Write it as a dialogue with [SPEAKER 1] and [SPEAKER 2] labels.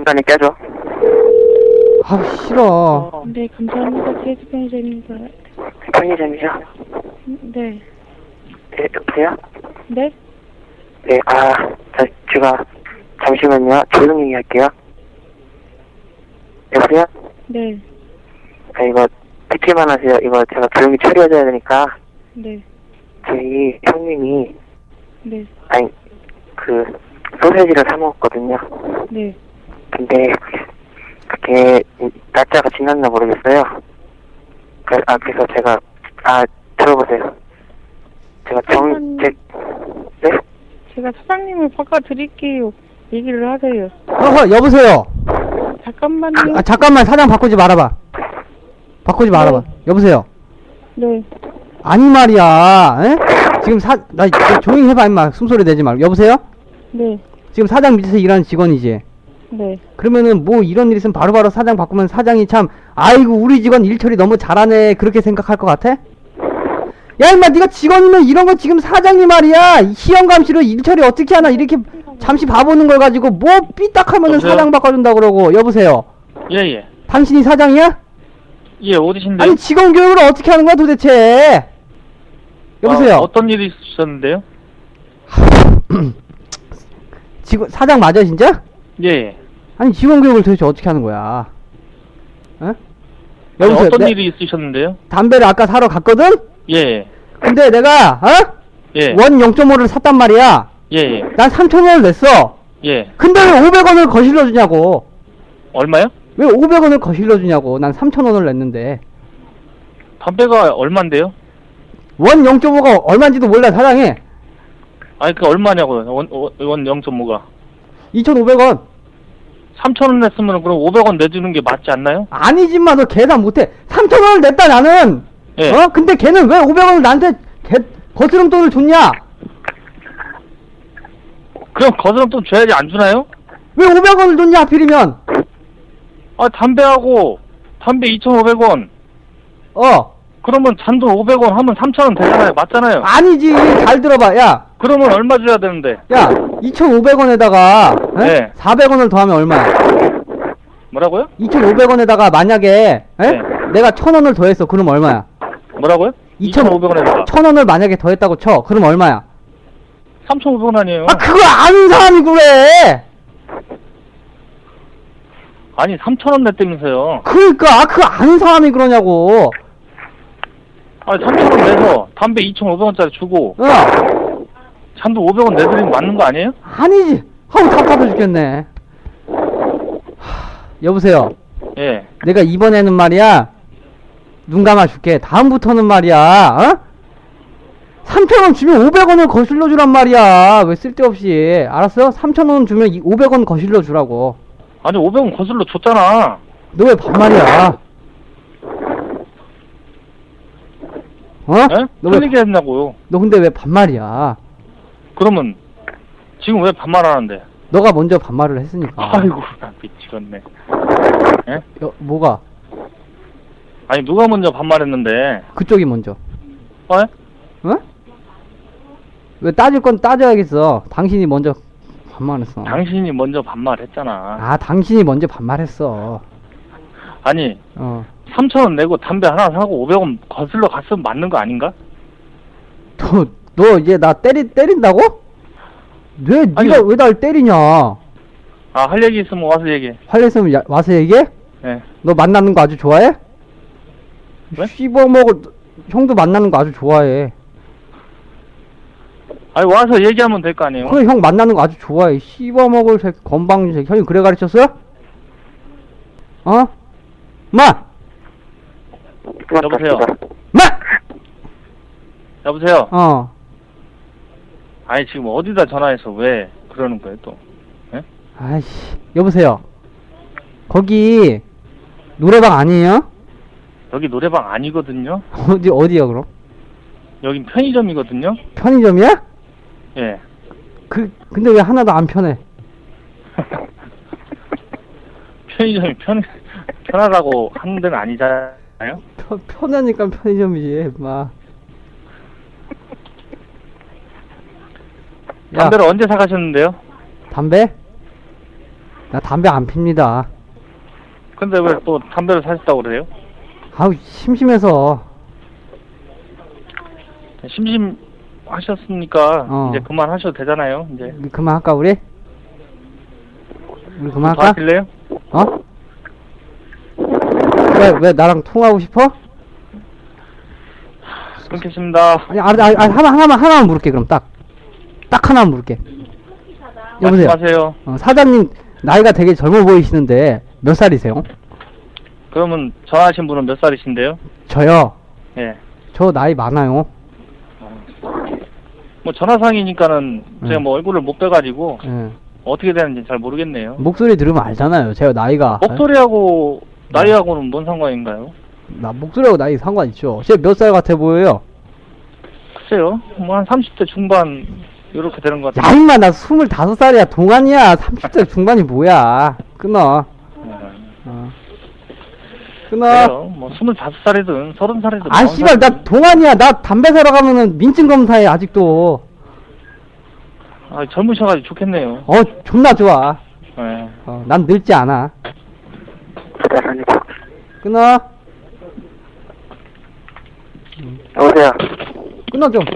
[SPEAKER 1] 중간에 껴줘.
[SPEAKER 2] 아, 싫어.
[SPEAKER 3] 네, 감사합니다. 제주 편의점입니다.
[SPEAKER 1] 편의점이죠?
[SPEAKER 3] 네.
[SPEAKER 1] 네, 여보세요?
[SPEAKER 3] 네?
[SPEAKER 1] 네, 제가, 잠시만요. 조용히 할게요. 여보세요?
[SPEAKER 3] 네.
[SPEAKER 1] 이거, 듣기만 하세요. 이거 제가 조용히 처리해줘야 되니까.
[SPEAKER 3] 네.
[SPEAKER 1] 저희 형님이,
[SPEAKER 3] 네.
[SPEAKER 1] 소세지를 사먹었거든요.
[SPEAKER 3] 네.
[SPEAKER 1] 근데, 그게, 날짜가 지났나 모르겠어요. 그래서 제가, 들어보세요. 제가 네?
[SPEAKER 3] 제가 사장님을 바꿔드릴게요. 얘기를 하세요.
[SPEAKER 2] 여보세요.
[SPEAKER 3] 잠깐만요.
[SPEAKER 2] 잠깐만, 사장 바꾸지 말아봐. 바꾸지 말아봐.
[SPEAKER 3] 네.
[SPEAKER 2] 여보세요.
[SPEAKER 3] 네.
[SPEAKER 2] 아니 말이야. 에? 지금 나 조용히 해봐, 임마. 숨소리 내지 말고. 여보세요?
[SPEAKER 3] 네.
[SPEAKER 2] 지금 사장 밑에서 일하는 직원이지?
[SPEAKER 3] 네.
[SPEAKER 2] 그러면은 뭐 이런 일 있으면 바로바로 사장 바꾸면 사장이 참, 아이고 우리 직원 일 처리 너무 잘하네, 그렇게 생각할 것 같아? 야 임마, 네가 직원이면 이런 거 지금 사장이 말이야 희영감시로 일 처리 어떻게 하나 이렇게 잠시 봐보는 걸 가지고 뭐 삐딱하면은
[SPEAKER 4] 여보세요?
[SPEAKER 2] 사장 바꿔준다 그러고. 여보세요?
[SPEAKER 4] 예.
[SPEAKER 2] 당신이 사장이야?
[SPEAKER 4] 예, 어디신데요?
[SPEAKER 2] 아니 직원 교육을 어떻게 하는 거야 도대체? 여보세요?
[SPEAKER 4] 어떤 일이 있으셨는데요?
[SPEAKER 2] 사장 맞아 진짜?
[SPEAKER 4] 예.
[SPEAKER 2] 아니 직원 교육을 도대체 어떻게 하는 거야? 어?
[SPEAKER 4] 아니,
[SPEAKER 2] 여보세요?
[SPEAKER 4] 어떤 일이 있으셨는데요?
[SPEAKER 2] 담배를 아까 사러 갔거든?
[SPEAKER 4] 예.
[SPEAKER 2] 근데 내가
[SPEAKER 4] 예.
[SPEAKER 2] 원 0.5를 샀단 말이야.
[SPEAKER 4] 예.
[SPEAKER 2] 난 3,000원을 냈어.
[SPEAKER 4] 예.
[SPEAKER 2] 근데 왜 500원을 거실러 주냐고.
[SPEAKER 4] 얼마요?
[SPEAKER 2] 왜 500원을 거실러 주냐고. 난 3,000원을 냈는데.
[SPEAKER 4] 담배가 얼만데요?
[SPEAKER 2] 원 0.5가 얼마인지도 몰라 사장이.
[SPEAKER 4] 아니, 그 얼마냐고요? 원 0.5가.
[SPEAKER 2] 2,500원.
[SPEAKER 4] 3,000원 냈으면 그럼 500원 내주는 게 맞지 않나요?
[SPEAKER 2] 아니지만 너 계산 못해. 3,000원을 냈다 나는.
[SPEAKER 4] 예.
[SPEAKER 2] 근데 걔는 왜 500원을 나한테 거스름 돈을 줬냐?
[SPEAKER 4] 그럼 거스름 돈 줘야지 안 주나요?
[SPEAKER 2] 왜 500원을 줬냐 하필이면.
[SPEAKER 4] 담배 2,500원. 그러면 잔돈 500원 하면 3,000원 되잖아요. 맞잖아요.
[SPEAKER 2] 아니지. 잘 들어봐. 야.
[SPEAKER 4] 그러면 얼마 줘야 되는데?
[SPEAKER 2] 야, 2,500원에다가
[SPEAKER 4] 네.
[SPEAKER 2] 400원을 더하면 얼마야?
[SPEAKER 4] 뭐라고요?
[SPEAKER 2] 2,500원에다가 만약에
[SPEAKER 4] 네.
[SPEAKER 2] 내가 1,000원을 더했어. 그럼 얼마야?
[SPEAKER 4] 뭐라고요? 2,500원에다가
[SPEAKER 2] 1,000원을 만약에 더했다고 쳐. 그럼 얼마야?
[SPEAKER 4] 3,500원 아니에요?
[SPEAKER 2] 그거 아는 사람이 그래.
[SPEAKER 4] 아니 3,000원 냈다면서요.
[SPEAKER 2] 그러니까 그거 아는 사람이 그러냐고.
[SPEAKER 4] 아니 3,000원 내서 담배 2,500원짜리 주고 잔도 500원 내드리면 맞는 거 아니에요?
[SPEAKER 2] 아니지. 아우 답답해 죽겠네. 여보세요.
[SPEAKER 4] 예.
[SPEAKER 2] 내가 이번에는 말이야 눈 감아줄게. 다음부터는 말이야 3,000원 주면 500원을 거실러 주란 말이야. 왜 쓸데없이. 알았어? 3,000원 주면 500원 거실러 주라고.
[SPEAKER 4] 아니 500원 거슬러 줬잖아.
[SPEAKER 2] 너 왜 반말이야?
[SPEAKER 4] 예?
[SPEAKER 2] 너 왜,
[SPEAKER 4] 틀리게 했냐고요.
[SPEAKER 2] 너 근데 왜 반말이야?
[SPEAKER 4] 그러면 지금 왜 반말하는데?
[SPEAKER 2] 너가 먼저 반말을 했으니까.
[SPEAKER 4] 아이고 나 미치겠네. 예?
[SPEAKER 2] 뭐가?
[SPEAKER 4] 아니 누가 먼저 반말했는데?
[SPEAKER 2] 그쪽이 먼저.
[SPEAKER 4] 어?
[SPEAKER 2] 왜 따질 건 따져야겠어. 당신이 먼저 반말했어.
[SPEAKER 4] 당신이 먼저 반말했잖아.
[SPEAKER 2] 당신이 먼저 반말했어.
[SPEAKER 4] 아니 3,000원 내고 담배 하나 사고 500원 거슬러 갔으면 맞는 거 아닌가?
[SPEAKER 2] 너 이제 나 때린다고? 네가 왜 날 때리냐?
[SPEAKER 4] 할 얘기 있으면 와서 얘기해.
[SPEAKER 2] 할 일 있으면 와서 얘기해?
[SPEAKER 4] 예.
[SPEAKER 2] 너 만나는 거 아주 좋아해?
[SPEAKER 4] 왜?
[SPEAKER 2] 씹어먹을 형도 만나는 거 아주 좋아해.
[SPEAKER 4] 아니 와서 얘기하면 될 거 아니에요?
[SPEAKER 2] 그래 형 만나는 거 아주 좋아해. 씹어먹을 새끼 건방진 새끼. 형이 그래 가르쳤어? 마!
[SPEAKER 4] 여보세요?
[SPEAKER 2] 마!
[SPEAKER 4] 여보세요?
[SPEAKER 2] 아니
[SPEAKER 4] 지금 어디다 전화해서 왜 그러는 거예요 또? 예?
[SPEAKER 2] 아이씨 여보세요. 거기 노래방 아니에요?
[SPEAKER 4] 여기 노래방 아니거든요?
[SPEAKER 2] 어디야 그럼?
[SPEAKER 4] 여긴 편의점이거든요?
[SPEAKER 2] 편의점이야?
[SPEAKER 4] 예.
[SPEAKER 2] 근데 왜 하나도 안 편해?
[SPEAKER 4] 편의점이 편하다고 하는 데는 아니잖아요?
[SPEAKER 2] 편하니까 편의점이지 마.
[SPEAKER 4] 담배를 언제 사가셨는데요?
[SPEAKER 2] 담배? 나 담배 안 핍니다.
[SPEAKER 4] 근데 왜 또 담배를 사셨다고 그래요?
[SPEAKER 2] 아우, 심심해서.
[SPEAKER 4] 심심하셨으니까
[SPEAKER 2] 어.
[SPEAKER 4] 이제 그만하셔도 되잖아요. 이제
[SPEAKER 2] 그만할까, 우리? 우리
[SPEAKER 4] 더
[SPEAKER 2] 그만할까?
[SPEAKER 4] 하실래요?
[SPEAKER 2] 어? 왜 나랑 통화하고 싶어?
[SPEAKER 4] 끊겠습니다.
[SPEAKER 2] 아니, 하나만 물을게, 그럼 딱 하나만 물을게. 여보세요?
[SPEAKER 4] 말씀하세요.
[SPEAKER 2] 사장님, 나이가 되게 젊어 보이시는데, 몇 살이세요?
[SPEAKER 4] 그러면 전화하신 분은 몇 살이신데요?
[SPEAKER 2] 저요?
[SPEAKER 4] 예.
[SPEAKER 2] 저 나이 많아요.
[SPEAKER 4] 뭐 전화상이니까는 제가 뭐 얼굴을 못 빼가지고
[SPEAKER 2] 예.
[SPEAKER 4] 어떻게 되는지 잘 모르겠네요.
[SPEAKER 2] 목소리 들으면 알잖아요, 제가 나이가.
[SPEAKER 4] 목소리하고 나이하고는 뭔 상관인가요?
[SPEAKER 2] 나 목소리하고 나이 상관 있죠. 제가 몇 살 같아 보여요?
[SPEAKER 4] 글쎄요. 뭐 한 30대 중반 이렇게 되는 것
[SPEAKER 2] 야,
[SPEAKER 4] 같아요.
[SPEAKER 2] 임마, 나 25살이야. 동안이야. 30대 중반이 뭐야. 끊어. 끊어.
[SPEAKER 4] 그래요. 뭐 25살이든 30살이든
[SPEAKER 2] 아, 씨발, 나 동안이야. 나 담배 사러 가면은 민증 검사해, 아직도.
[SPEAKER 4] 젊으셔가지고 좋겠네요.
[SPEAKER 2] 존나 좋아.
[SPEAKER 4] 예.
[SPEAKER 2] 난 늙지 않아.
[SPEAKER 1] 기다립니다.
[SPEAKER 2] 끊어.
[SPEAKER 1] 여보세요?
[SPEAKER 2] 끊어, 좀.